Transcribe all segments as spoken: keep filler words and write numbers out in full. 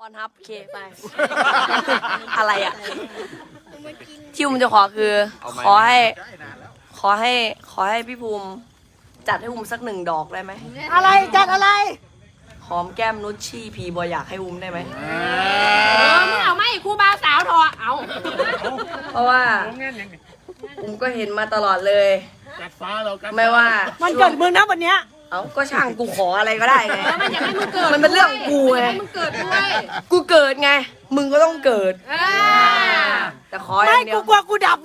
อนทับเคไป อะไรอ่ะที่ผมจะขอคือ ขอให้ ขอให้ ขอให้พี่ภูมิ จัดให้ภูมิสักหนึ่งดอกได้ไหมอะไรจัดอะไรหอมแก้มนุชชี่พีบอยอยากให้ภูมิได้ไหมเออมึงเอาไม่ครูบาสาวทอเอาเพราะว่าภูมิก็เห็นมาตลอดเลยกัดฟ้าเรากัดไม่ว่ามันเกิดมึงนะวันเนี้ยเอ้าก็ช่างกูขออะไรก็ได้ไงมันอยากให้มึงเกิดมันเป็นเรื่องของกูไงให้มึงเกิดด้วยกูเกิดไง มึงก็ต้องเกิดเออแต่ขออไม่ย่างเดียกูวกลัวกูดับ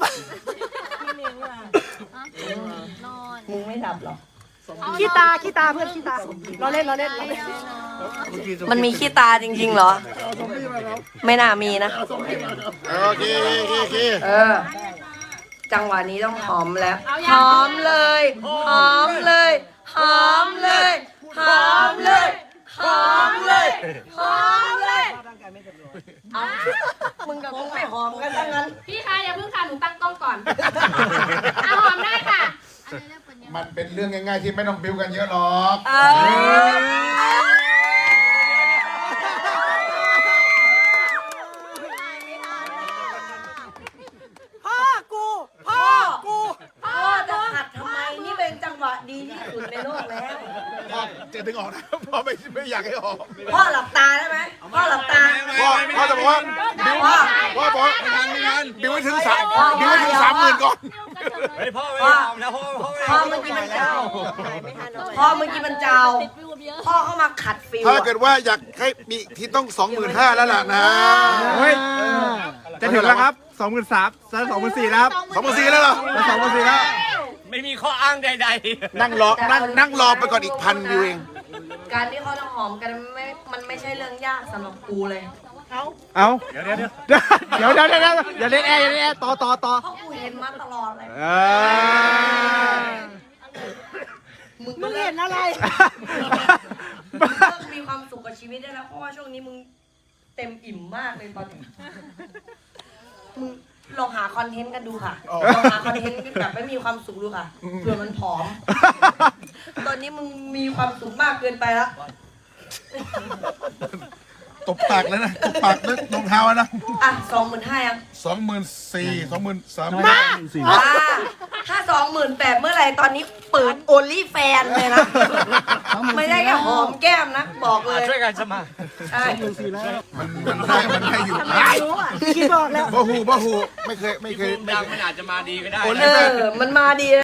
มึงไม่ดับหรอขี้ตาขี้ตาเพื่อนขี้ตาเราเล่นเราเล่นเราเล่นมันมีขี้ตาจริงๆเหรอ ไม่น่ามีนะโอเคโอเคโอเคเออ จังหวะนี้ต้องหอมแล้ว หอมเลย หอมเลย หอมเลย หอมเลย หอมเลย หอมเลยเอามึงกับมึงไม่หอมกันทั้งนั้นพี่คะอย่าเพิ่งค่ะหนูตั้งกล้องก่อนเอาหอมได้ค่ะมันเป็นเรื่องง่ายๆที่ไม่ต้องบิ้วกันเยอะหรอกเออพ่อกูพ่อกูพ่อจะขัดทำไม นี่เป็นจังหวะดีที่สุดในโลกแล้วพ่อจะดึงออกนะพ่อไม่ไม่อยากให้ออกพ่อหลับตาได้ไหม พ่อหลับตาพ่อพ่อจะบอกว่าบิ้วพ่อพ่อบอกว่าบิ้วให้ถึงสามบิ้วให้ถึงสามหมื่นก่อนเฮ้ยพ่อไม่ยอมนะพ่อพ่อไม่พ่อเมื่อกี้มันเจ้า พ่อเมื่อกี้มันเจ้า พ่อเข้ามาขัดฟิวถ้าอะเกิดว่าอยากให้มีที่ต้องสองหมื่นห้าแล้วล่ะนะเฮ้ยจะถึงแล้วครับสองหมื่นสามจะสองหมื่นสี่แล้วครับสองหมื่นสี่แล้วเหรอจะสองหมื่นสี่แล้วไม่มีข้ออ้างใดนั่งรอนั่งนั่งรอไปก่อนอีกพันวิวเองการที่เขาต้องหอมกันไม่ มันไม่ใช่เรื่องยากสำหรับกูเลยเอา เดี๋ยวเดี๋ยวเดี๋ยวเดี๋ยวเดี๋ยวเดี๋ยวอย่าเล่นแอร์อย่าเล่นแอร์ต่อต่อต่อเพราะกูเห็นมาตลอดเลยเออมึงมึงเลิเห็กนอะไรมึงเลิกมีความสุขกับชีวิตได้แล้ว เพราะว่าช่วงนี้มึงเต็มอิ่มมากเลยตอนนี้ มึงลองหาคอนเทนต์กันดูค่ะ ลองหาคอนเทนต์แบบไม่มีความสุขดูค่ะ เผื่อมันผอม ตอนนี้มึงมีความสุขมากเกินไปแล้วตบปากแล้วนะตบปากด้วยรองเท้านะอ่ะสองหมื่นห้ายังสองหมื่นสี่สองหมื่นสามอ่าถ้าสองหมื่นแปดเมื่อไหร่ตอนนี้เปิดโอลี่แฟนเลยนะ ไม่ได้แค่หอมแก้มนะ บอกเลยๆช่วยกันสมัครใช่มันมันได้มันได้อยู่รู้อ่ะคิดบอกแล้วบ่หูบ่หูไม่เคยไม่เคยดังมันอาจจะมาดีก็ได้เออ มันมาดี